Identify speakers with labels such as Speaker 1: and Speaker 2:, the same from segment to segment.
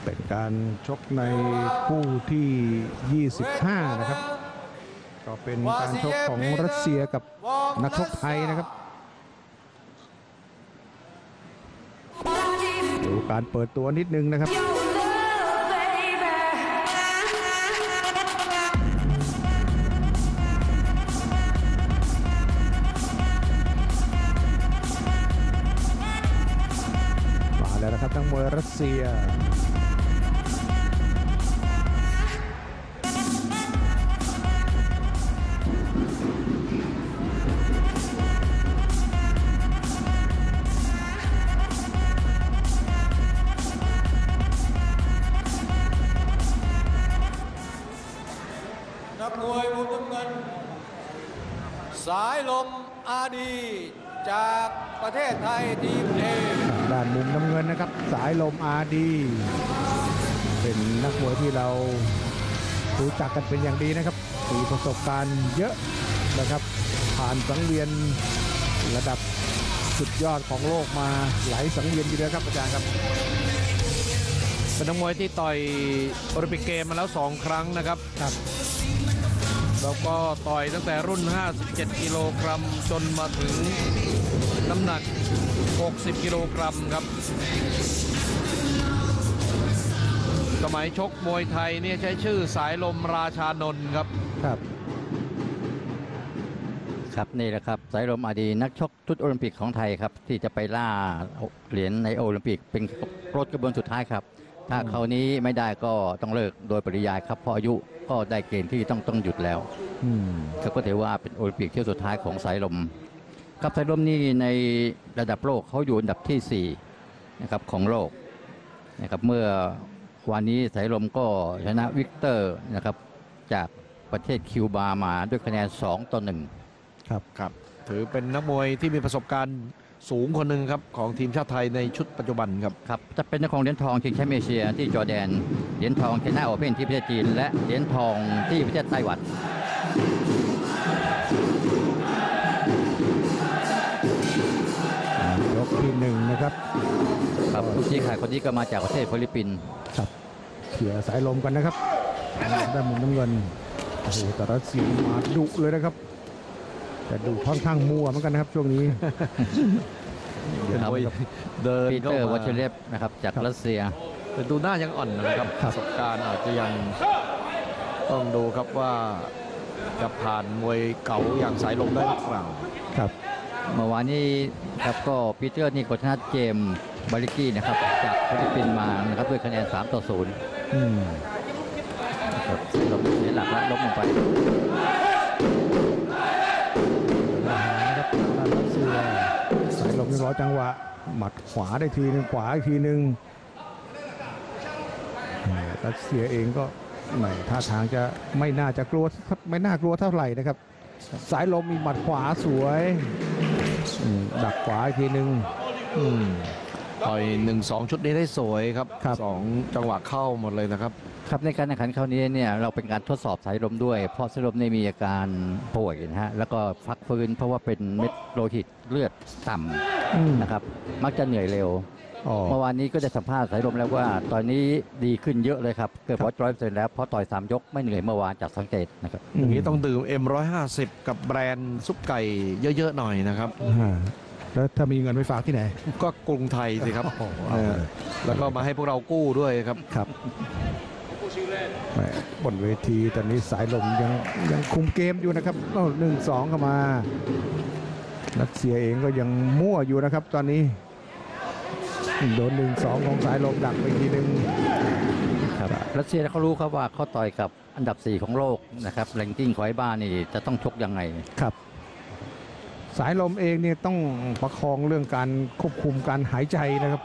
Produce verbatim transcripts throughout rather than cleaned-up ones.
Speaker 1: เป็นการชกในคู่ที่ ยี่สิบห้า นะครับก็เป็นการชกของรัสเซียกับนักชกไทยนะครับดูการเปิดตัวนิดนึงนะครับมาแล้วนะครับทั้งมวยรัสเซีย
Speaker 2: นักมวยมุมน้ำเงินสายลมอาดีจากประเทศไทยทีมเอ
Speaker 1: ด้านมุมน้ำเงินนะครับสายลมอาดีเป็นนักมวยที่เรารู้จักกันเป็นอย่างดีนะครับมีประสบการณ์เยอะนะครับผ่านสังเวียนระดับสุดยอดของโลกมาหลายสังเวียนทีเดียวครับอาจารย์ครับ
Speaker 3: เป็นนักมวยที่ต่อยโอลิมปิกเกมมาแล้วสองครั้งนะครับครับแล้วก็ต่อยตั้งแต่รุ่นห้าสิบเจ็ดกิโลกรัมจนมาถึงน้ำหนักหกสิบกิโลกรัมครับสมัยชกมวยไทยเนี่ยใช้ชื่อสายลมราชานนท์ครับ
Speaker 1: ครับ
Speaker 4: ครับนี่แหละครับสายลมอาดีนักชกชุดโอลิมปิกของไทยครับที่จะไปล่าเหรียญในโอลิมปิกเป็นรถกระบวนสุดท้ายครับถ้าคราวนี้ไม่ได้ก็ต้องเลิกโดยปริยายครับเพราะอายุก็ได้เกณฑ์ที่ต้องต้องหยุดแล้วเขาก็ถือว่าเป็นโอลิมปิกเที่ยวสุดท้ายของสายลมครับสายลมนี่ในระดับโลกเขาอยู่อันดับที่สี่นะครับของโลกนะครับเมื่อวันนี้สายลมก็ชนะวิกเตอร์นะครับจากประเทศคิวบามาด้วยคะแนนสองต่อหนึ่ง
Speaker 3: ครับครับถือเป็นนักมวยที่มีประสบการณ์สูงคนหนึ่งครับของทีมชาติไทยในชุดปัจจุบันครับ
Speaker 4: ครับจะเป็นนักของเหรียญทองชิงแชมป์เอเชียที่จอร์แดนเหรียญทองเคนนาโอเพ่นที่ประเทศจีนและเหรียญทองที่ประเทศไต้หวัน
Speaker 1: ยกที่หนึ่งนะครับ
Speaker 4: ครับผู้ชี้ขาดคนนี้ก็มาจากประเทศฟิลิปปินส์
Speaker 1: ครับเขี่ยสายลมกันนะครับด้านมุมน้ำเงินโอ้โหแต่รัสเซียมาดุเลยนะครับแต่ดูค่อนข้างมั่วเหมือนกันนะครับช่วงนี้
Speaker 3: เดิน
Speaker 4: ปีเตอร์วอชเลฟนะครับจากรัสเซีย
Speaker 3: แต่ดูหน้ายังอ่อนนะครับประสบการณ์อาจจะยังต้องดูครับว่าจะผ่านมวยเก่าอย่างสายลมได้หรือเปล่า
Speaker 4: ครับเมื่อวานนี้ครับก็ปีเตอร์นี่ก็ชนะเจมส์บาริกี้นะครับจากฟิลิปปินส์มานะครับด้วยคะแนนสามต่อศูนย์อืมครับลมเสียหลักและล้มลงไป
Speaker 1: สายลมยังร้อยจังหวะหมัดขวาได้ทีนึงขวาอีกทีนึงรัสเซียเองก็ไม่ท่าทางจะไม่น่าจะกลัวไม่น่ากลัวเท่าไหร่นะครับสายลมมีหมัดขวาสวยดักขวาอีกทีนึง
Speaker 3: ต่อยหนึ่งสองชุดนี้ได้สวยครับสองจังหวะเข้าหมดเลยนะครับ
Speaker 4: ครับในการแข่งขันคราวนี้เนี่ยเราเป็นการทดสอบสายลมด้วยเพราะสายลมในมีอาการป่วยนะฮะแล้วก็พักฟื้นเพราะว่าเป็นเม็ดโลหิตเลือดต่ำนะครับมักจะเหนื่อยเร็วเมื่อวานนี้ก็ได้สัมภาษณ์สายลมแล้วว่าตอนนี้ดีขึ้นเยอะเลยครับเกือบร้อยเปอร์เซ็นต์แล้วเพราะต่อยสามยกไม่เหนื่อยเมื่อวานจากสังเกตนะครับ
Speaker 3: อย่างนี้ต้องดื่ม เอ็ม หนึ่งร้อยห้าสิบ กับแบรนด์ซุปไก่เยอะๆหน่อยนะครับ
Speaker 1: แล้วถ้ามีเงินไปฝากที่ไหน
Speaker 3: ก็กรุงไทยสิครับแล้วก็มาให้พวกเรากู้ด้วยครับ
Speaker 1: ครับบนเวทีตอนนี้สายลมยังยังคุมเกมอยู่นะครับหนึ่งสองเข้ามารัสเซียเองก็ยังมั่วอยู่นะครับตอนนี้โดนหนึ่งสองของสายลมดักไปทีนึง
Speaker 4: ครับรัสเซียเขารู้ครับว่าเขาต่อยกับอันดับสี่ของโลกนะครับแรงกิ้งของไอ้บ้านนี่จะต้องชกยังไง
Speaker 1: ครับสายลมเองเนี่ยต้องประคองเรื่องการควบคุมการหายใจนะครับ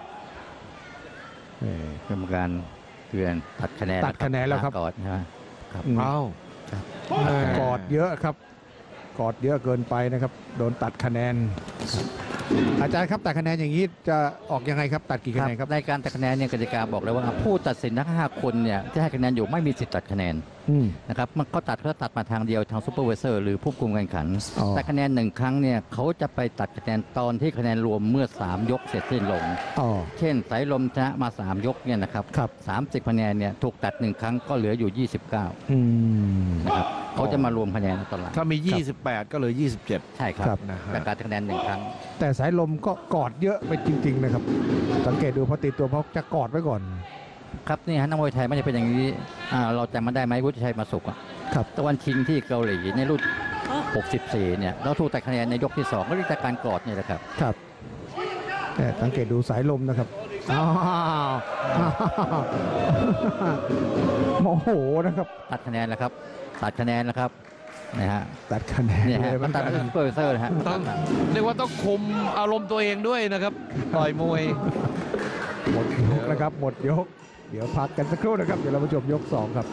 Speaker 4: กรรมการเตือนตัดคะแนน
Speaker 1: ตัดคะแนนแล้วครับ
Speaker 4: กอดนะ
Speaker 1: ครัเอ้ากอดเยอะครับกอดเยอะเกินไปนะครับโดนตัดคะแนนอาจารย์ครับตัดคะแนนอย่างนี้จะออกยังไงครับตัดกี่คะแนนครับ
Speaker 4: ในการตัดคะแนนเนี่ยกติกาบอกเลยว่าผู้ตัดสินทั้งห้าคนเนี่ยที่ให้คะแนนอยู่ไม่มีสิทธิ์ตัดคะแนน
Speaker 1: อืม
Speaker 4: นะครับมันเขาตัดเขาตัดมาทางเดียวทางซูเปอร์ไวเซอร์หรือผู้คุมการแข่งขัน
Speaker 1: อ๋อ
Speaker 4: แต่คะแนนหนึ่งครั้งเนี่ยเขาจะไปตัดคะแนนตอนที่คะแนนรวมเมื่อสามยกเสร็จสิ้นลง
Speaker 1: อ๋อ
Speaker 4: เช่นสายลมชนะมาสามยกเนี่ยนะครับ
Speaker 1: ครับ
Speaker 4: สามสิบคะแนนเนี่ยถูกตัดหนึ่งครั้งก็เหลืออยู่ยี่สิบเก้า
Speaker 1: อืม
Speaker 4: นะครับเขาจะมารวมคะแนนตอนหลัง
Speaker 3: ถ้ามี ยี่สิบแปด ก็เหลือ ยี่สิบเจ็ด
Speaker 4: ใช่ครับ
Speaker 1: ครับ
Speaker 3: นะฮะ
Speaker 4: จากการคะแนนหนึ่งครั้ง
Speaker 1: แต่สายลมก็กอดเยอะไปจริง ๆ นะครับ สังเกตดูพอติดตัวเพราะจะกอดไว้ก่อน
Speaker 4: ครับนี่ฮะนักมวยไทยไม่ได้เป็นอย่างนี้อ่าเราจำมันได้ไหมวุฒิชัยมาสุขอะ
Speaker 1: ครับ
Speaker 4: ตะวันชิงที่เกาหลีในรุ่นหกสิบสี่เนี่ยเราถูกตัดคะแนนในยกที่สองก็เรียกจากการกอดเนี่ยแหละครับ
Speaker 1: ครับแต่สังเกตดูสายลมนะครับอ้าวอ้าวโมโหนะครับ
Speaker 4: ตัดคะแนนแล้วครับตัดคะแนนแล้วครับนะฮะ
Speaker 1: ตัดคะแนน
Speaker 4: เนี่ย
Speaker 1: เล
Speaker 4: ฮะ
Speaker 1: ยเหมื
Speaker 4: มั
Speaker 1: อน น
Speaker 4: ตั
Speaker 1: กั
Speaker 4: ด
Speaker 1: น
Speaker 4: เป็นซูเปอร์ไวเซอร์นะฮะ
Speaker 3: ต้องเรียกว่าต้องคุมอารมณ์ตัวเองด้วยนะครับ ต่อยมวย
Speaker 1: หมดยกนะครับ หมดยก เดี๋ยวพักกันสักครู่นะครับ เดี๋ยวเรามาชมยกสองครับ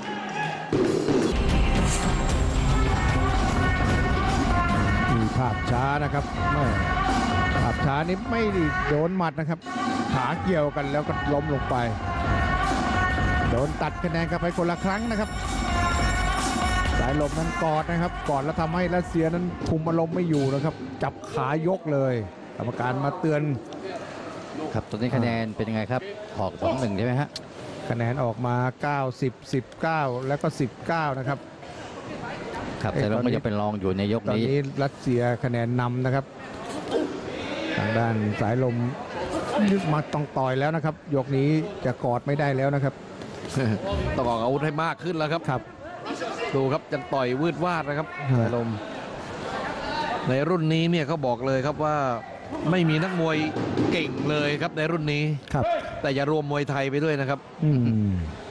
Speaker 1: มีภาพช้านะครับแม่ภาพช้านี้ไม่ได้โดนหมัดนะครับ ขาเกี่ยวกันแล้วก็ล้มลงไป โดนตัดคะแนนกันไปคนละครั้งนะครับ สายลมนั้นกอดนะครับกอดแล้วทำให้รัสเซียนั้นคุมอารมณ์ไม่อยู่นะครับ จับขายกเลย กรรมการมาเตือน
Speaker 4: ครับตอนนี้คะแนนเป็นยังไงครับออกสองหนึ่งใช่ไหมฮะ
Speaker 1: คะแนนออกมา เก้าสิบ สิบเก้า แล้วก็ สิบเก้า นะครับ
Speaker 4: ครับ
Speaker 1: เอ้ย
Speaker 4: แต่เรา
Speaker 1: ตอนนี้
Speaker 4: ก็ยังเป็นรองอยู่ในยก
Speaker 1: ตอน
Speaker 4: นี้
Speaker 1: นี้รัสเซียคะแนนนำนะครับ ทางด้านสายลมนึกมาต้องต่อยแล้วนะครับ ยกนี้จะกอดไม่ได้แล้วนะครับ
Speaker 3: ต้องออกอาวุธให้มากขึ้นแล้วครับ
Speaker 1: ครับ
Speaker 3: ดูครับยังต่อยวืดวาดนะครับ
Speaker 1: ฮะ
Speaker 3: สายลม ในรุ่นนี้เนี่ยเขาบอกเลยครับว่าไม่มีนักมวยเก่งเลยครับในรุ่นนี้
Speaker 1: ครับ
Speaker 3: แต่อย่ารวมมวยไทยไปด้วยนะครับ
Speaker 1: อืม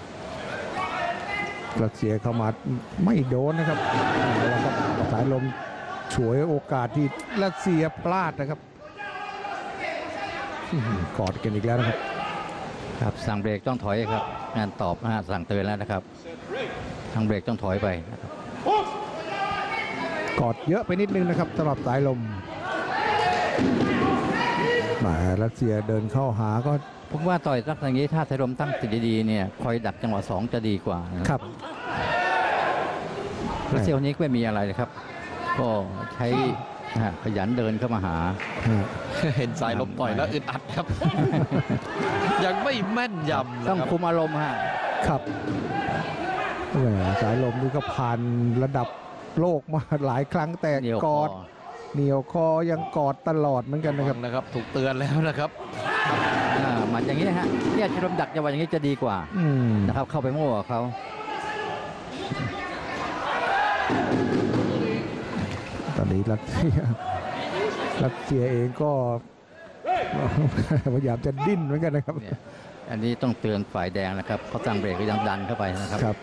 Speaker 1: รัสเซียเข้ามาไม่โดนนะครับเอาละครับสายลมฉวยโอกาสที่รัสเซียพลาดนะครับอื้อหือกอดกันอีกแล้วนะครับ
Speaker 4: ครับสั่งเบรกต้องถอยครับงานตอบนะฮะสั่งเตือนแล้วนะครับทางเบรกต้องถอยไปนะครับ
Speaker 1: กอดเยอะไปนิดนึงนะครับสำหรับสายลมแหมารัสเซียเดินเข้าหาก็
Speaker 4: ผมว่าต่อยสักอย่างนี้ถ้าไทยลมตั้งติดดีๆเนี่ยคอยดักจังหวะสองจะดีกว่านะครับ รัสเซียคนนี้ก็ไม่มีอะไรนะครับ ก็ใช้นะฮะขยันเดินเข้ามาหา
Speaker 3: เห็นสายลมต่อยแล้วอึดอัดครับ ยังไม่แม่นยำนะ
Speaker 4: ต้อง
Speaker 3: ครับ
Speaker 4: คุมอารมณ์ฮะ
Speaker 1: ครับแหมสายลมนี่ก็ผ่านระดับโลกมาหลายครั้งแต่
Speaker 4: เหนียว
Speaker 1: ก
Speaker 4: คอ
Speaker 1: อดเหนียวคอยังกอดตลอดเหมือนกันนะครับ
Speaker 3: นะครับ ถูกเตือนแล้วนะครับ
Speaker 4: อ่าหมัดอย่างนี้นะฮะเนี่ยชลมดักจังหวะอย่างนี้จะดีกว่า
Speaker 1: อืม
Speaker 4: นะครับ เข้าไปโม่กับเขา
Speaker 1: ตอนนี้รัสเซียรัสเซียเองก็ พยายามจะดิ้นเหมือนกันนะครับ
Speaker 4: เนี่ยอันนี้ต้องเตือนฝ่ายแดงนะครับเขาตั้งเบรกก็ยังดันเข้าไปนะครับ
Speaker 1: ครับ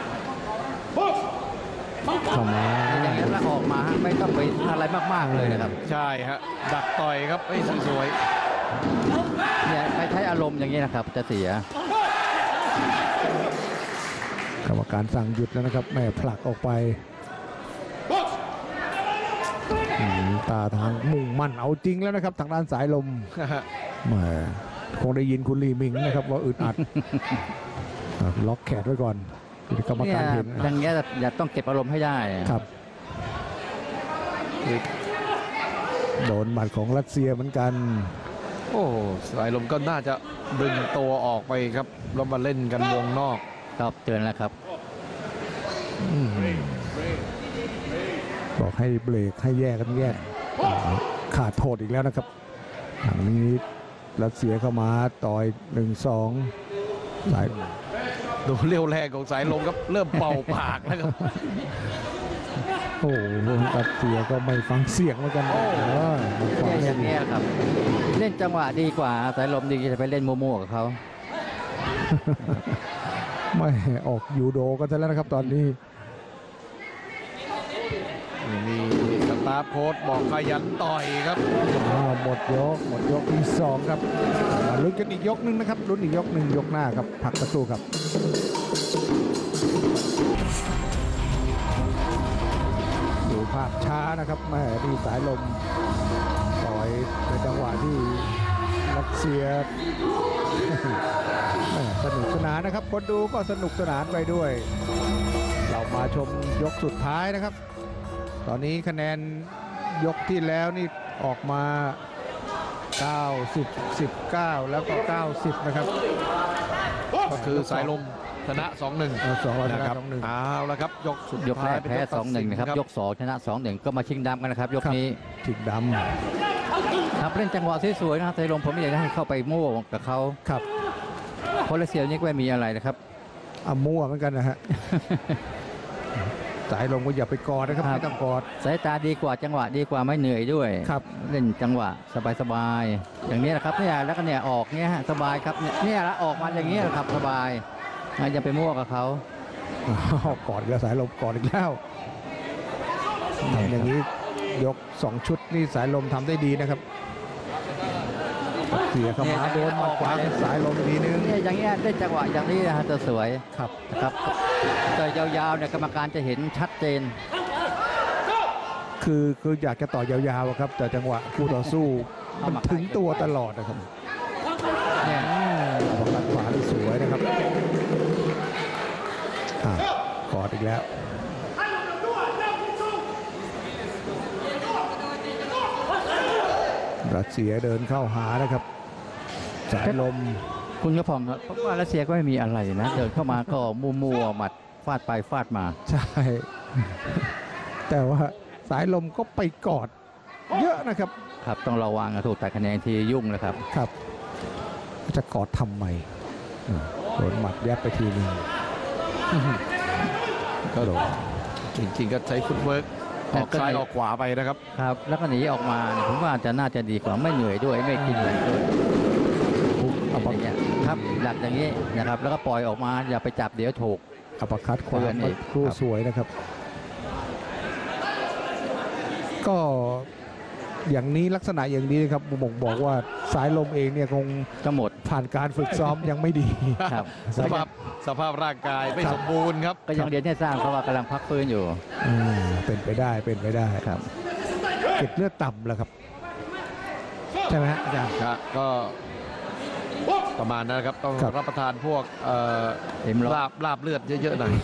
Speaker 1: เข้ามา
Speaker 4: อย่างนี้แล้วออกมาฮะไม่ต้องไปอะไรมากๆเลยนะครับ
Speaker 3: ใช่ฮะดักต่อยครับไอ้ยสวย
Speaker 4: เนี่ยไปใช้อารมณ์อย่างนี้นะครับ จะเสีย
Speaker 1: กรรมการสั่งหยุดแล้วนะครับแม่ผลักออกไปอืมตาทางมุ่งมั่นเอาจริงแล้วนะครับ ทางด้านสายลม
Speaker 3: ๆ
Speaker 1: แหมคงได้ยินคุณลีมิงนะครับว่าอึดอัด ครับล็อกแขนไว้ก่อนกรรม
Speaker 4: เนี่ย
Speaker 1: การเห็น
Speaker 4: อย่างเงี้ยอย่าต้องเก็บอารมณ์ให้ได้
Speaker 1: ครับ โดนหมัดของรัสเซียเหมือนกัน
Speaker 3: โอ้สายลมก็น่าจะดึงตัวออกไปครับแล้วมาเล่นกันวงนอก
Speaker 4: ครับเตือนแล้วครับ
Speaker 1: บอกให้เบรกให้แยกกันแยกขาดโทษอีกแล้วนะครับทางนี้รัสเซียเข้ามาต่อยหนึ่งสองสาย
Speaker 3: ดูเรี่ยวแรงของสายลมครับเริ่มเป่าปากแล้วครับ
Speaker 1: โอ้โหรัสเซียก็ไม่ฟังเสียงเหมือนกันเออมันฟัง
Speaker 4: เนี่ยอ
Speaker 1: ไม่
Speaker 4: ย่าง
Speaker 1: ดี
Speaker 4: เงี้ยครับ เล่นจังหวะดีกว่าสายลมดีจะไปเล่นโมโม่กับเขา
Speaker 1: ไม่ออกยูโดกันซะแล้วนะครับตอนนี้
Speaker 3: มีสตาร์ฟโค้ดบอกขยันต่อยครับ
Speaker 1: อ่าหมดยกหมดยกที่สองครับมาลุ้นกันอีกยกหนึ่งนะครับลุ้นอีกยกหนึ่งยกหน้าครับพักสักครู่ครับดูภาพช้านะครับแม่ที่สายลมต่อยในจังหวะที่รัสเซีย แม่สนุกสนานนะครับคนดูก็สนุกสนานไปด้วยเรามาชมยกสุดท้ายนะครับ ตอนนี้คะแนนยกที่แล้วนี่ออกมา เก้าสิบ สิบเก้า แล้วก็ เก้าสิบ นะครับ
Speaker 3: ก็คือสายลมชนะ สองหนึ่ง
Speaker 1: เออสองร้อยช
Speaker 3: นะ
Speaker 1: นะครับสองหนึ่ง
Speaker 3: เอาละครับยกสุด
Speaker 4: ยกแร
Speaker 3: ท้าย
Speaker 4: ก
Speaker 3: เป็น
Speaker 4: แพ้
Speaker 3: ยก
Speaker 4: ส
Speaker 3: ตั
Speaker 4: อ
Speaker 3: ด
Speaker 4: งหนึ่ง
Speaker 3: สิ
Speaker 4: นะครับยกสองชนะสองหนึ่งก็มาชิงดำกันนะครับยกนี้
Speaker 1: ถึงด
Speaker 4: ครับเล่นจังหวะสวยๆนะครับไทยลมผมไม่อยากจะให้เข้าไปโม่กับเขา
Speaker 1: ำครับ
Speaker 4: เพราะรัสเซียนี่ก็ไม่มีอะไรนะครับ
Speaker 1: อ่ะมั่วเหมือนกันนะฮะ สายลมก็อย่าไปกอดนะครับ
Speaker 4: ครับ
Speaker 1: ไม่ต้องกอด
Speaker 4: สายตาดีกว่าจังหวะดีกว่าไม่เหนื่อยด้วย
Speaker 1: ครับ
Speaker 4: เล่นจังหวะสบายๆอย่างนี้แหละครับเนี่ยแล้วก็เนี่ยออกเนี่ยฮะสบายครับเนี่ยเนี่ยละออกมาอย่างนี้แหละครับสบายไม่จะไปมั่วกับเขา
Speaker 1: อ้าวกอดอีกแล้วสายลมกอดอีกแล้วทำอย่างนี้ยกสองชุดนี่สายลมทำได้ดีนะครับเสียเข้ามาโดนหมัดขวาของสายลมอีกทีนึง
Speaker 4: เนี่ยอย่างเงี้ยได้จังหวะอย่างนี้นะฮะจะสวย
Speaker 1: ครับ
Speaker 4: นะครับแต่ยาวๆเนี่ยกรรมการจะเห็นชัดเจน
Speaker 1: คือคืออยากจะต่อยาวๆอะครับ แต่จังหวะคู่ต่อสู้มันถึงตัวตลอดนะครับ
Speaker 4: เนี่ย
Speaker 1: บอลขวาที่สวยนะครับอ่ะกอดอีกแล้วรัสเซียเดินเข้าหานะครับ สายลม
Speaker 4: คุณกระผมครับเพราะว่ารัสเซียก็ไม่มีอะไรนะเดินเข้ามาก็มัวๆหมัดฟาดไปฟาดมา
Speaker 1: ใช่ แต่ว่าสายลมก็ไปกอดเยอะนะครับ
Speaker 4: ครับต้องระวังนะถูกตัดคะแนนทียุ่งนะครับ
Speaker 1: ครับ จะกอดทำไมอืมโดนหมัดยับไปทีหนึง
Speaker 3: ก็จริงๆก็ใช้ฟุตเวิร์กออกซ้ายออกขวาไปนะครับ
Speaker 4: ครับ แล้วก็หนีออกมาเนี่ยผมว่าจะน่าจะดีกว่าไม่เหนื่อยด้วยไม่กินอะไรด้วย
Speaker 1: อัป
Speaker 4: อย่างเงี้ยครับหลักอย่างนี้นะครับ แล้วก็ปล่อยออกมาอย่าไปจับเดี๋ยวถูก
Speaker 1: อัปคัดขวา
Speaker 4: เตือนอีก
Speaker 1: ครู่
Speaker 4: ครับ
Speaker 1: สวยนะครับ ก็อย่างนี้ลักษณะอย่างนี้นะครับบ่งบอกว่าสายลมเองเนี่ยคง
Speaker 4: ก็หมด
Speaker 1: ผ่านการฝึกซ้อมยังไม่ดี
Speaker 4: ครับ
Speaker 3: สภาพสภาพร่างกายไม่สมบูรณ์ครับ
Speaker 4: ก็ยังเรียนให้สร้างเพราะว่ากำลังพักฟื้นอยู่
Speaker 1: อืมเป็นไปได้เป็นไปได้
Speaker 4: ครับ
Speaker 1: เก็บเลือดต่ำแล้วครับ ใช่ไหมฮะอาจารย์
Speaker 3: ครับก็ประมาณนั้นนะครับต้อง
Speaker 1: ครับ
Speaker 3: รับประทานพวกเอ่อ
Speaker 4: เอ็มร้อย
Speaker 3: ลาบลาบเลือดเยอะๆหน่อย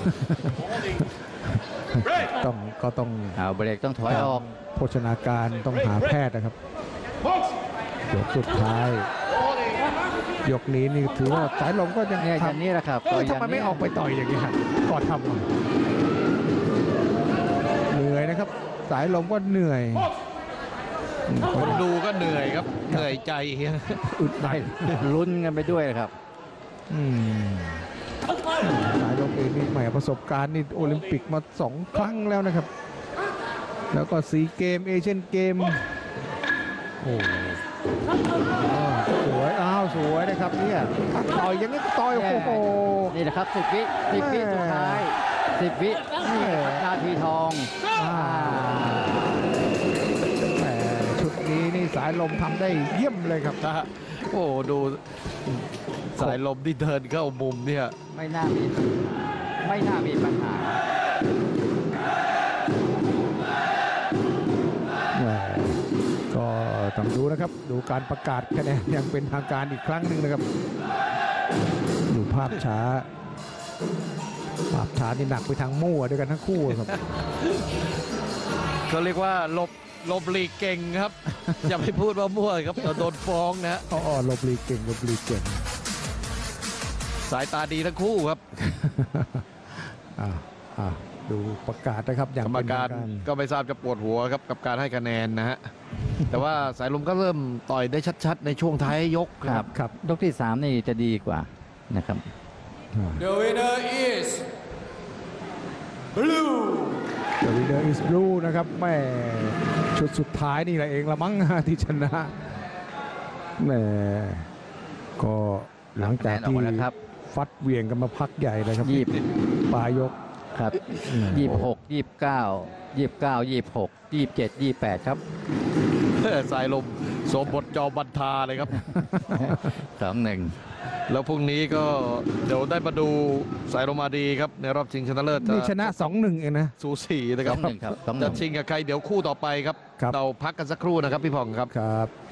Speaker 1: ต้องก็ต้อง
Speaker 4: เอาเบรกต้องถอยออก
Speaker 1: โภชนาการต้องหาแพทย์นะครับยกสุดท้าย ยกนี้นี่ถือว่าสายลมก็ยัง
Speaker 4: เนี่ยอ
Speaker 1: ทำ
Speaker 4: ย่างนี้แหละครับ
Speaker 1: เออ
Speaker 4: ก็ย่าง
Speaker 1: ทำไมไม่
Speaker 4: นี้
Speaker 1: ออกไปต่อยอย่างนี้ฮะก่อนทำอ่ะเหนื่อยนะครับ สายลมก็เหนื่อย
Speaker 3: คนดูก็เหนื่อยครับเหนื่อยใจ
Speaker 1: อึดอัด
Speaker 4: ลุ้นกันไปด้วยนะครับ
Speaker 1: อืมสายลมเองนี่แหมประสบการณ์นี่โอลิมปิกมาสองครั้งแล้วนะครับ แล้วก็ซีเกมเอเชียนเกมโอ้สวยอ้าวสวยนะครับเนี่ยต่อยอย่างนี้ก็ต่อยโอ้โห
Speaker 4: นี่แหละครับสิบวิสิบวิสุดท้ายสิบวินี่แหละครับนาทีทอง
Speaker 1: อ่าแหมชุดนี้นี่สายลมทำได้เยี่ยมเลยครับ
Speaker 3: นะฮะโอ้ดูสายลมที่เดินเข้ามุมเนี่ย
Speaker 4: ไม่น่ามีไม่น่ามีปัญหา
Speaker 1: แหมก็ต้องดูนะครับ ดูการประกาศคะแนนอย่างเป็นทางการอีกครั้งหนึ่งนะครับ ดูภาพช้า ภาพช้านี่หนักไปทางมั่วด้วยกันทั้งคู่ครับ
Speaker 3: เขาเรียกว่าหลบหลบหลีกเก่งครับ อย่าไปพูดว่ามั่วครับเดี๋ยวโดนฟ้องนะฮะ
Speaker 1: อ๋อหลบหลีกเก่งหลบหลีกเก่ง
Speaker 3: สายตาดีทั้งคู่ครับ
Speaker 1: อ่าอ่าดูประกาศนะครับอย่าง
Speaker 3: กรรม
Speaker 1: เป็น
Speaker 3: กา
Speaker 1: ทาร งการ
Speaker 3: ก็ไม่ทราบจะปวดหัวครับกับการให้คะแนนนะฮะ แต่ว่าสายลมก็เริ่มต่อยได้ชัดๆ ในช่วงท้ายยก
Speaker 4: ค
Speaker 3: ค
Speaker 4: รั
Speaker 3: รั
Speaker 4: บบ
Speaker 1: ครับ
Speaker 4: ยกที่สามนี่จะดีกว่านะครับ
Speaker 2: The winner is blue
Speaker 1: The winner is blue นะครับแม่ชุดสุดท้ายนี่แหละเองละมั้ง ที่ชนะแหม่ก็หลังจาก
Speaker 4: คะแนนออก
Speaker 1: ที่
Speaker 4: มาแล้วครับ
Speaker 1: ฟัดเหวี่ยงกันมาพักใหญ่เลยครับ
Speaker 4: ยี่สิบ
Speaker 1: ปลายยก
Speaker 4: ครับยี่สิบหกยี่สิบเก้ายี่สิบเก้ายี่สิบหกยี่สิบเจ็ดยี่สิบแปดครับ
Speaker 3: สายลมสมบทจอบันทาเลยครับ
Speaker 4: สองหนึ่ง
Speaker 3: แล้วพรุ่งนี้ก็เดี๋ยวได้มาดูสายลมมาดีครับ ในรอบชิงชนะเลิศ
Speaker 1: นี่ชนะ สองหนึ่ง เองนะ
Speaker 3: สูสีนะค
Speaker 4: ส
Speaker 3: รั
Speaker 4: อบ งหนึ่งครับสองห
Speaker 3: จะ
Speaker 4: นึ่ง
Speaker 3: ชิงกับใครเดี๋ยวคู่ต่อไปครับ
Speaker 1: ครับ
Speaker 3: เราพักกันสักครู่นะครับพี่ผ่องครับ
Speaker 1: ครับ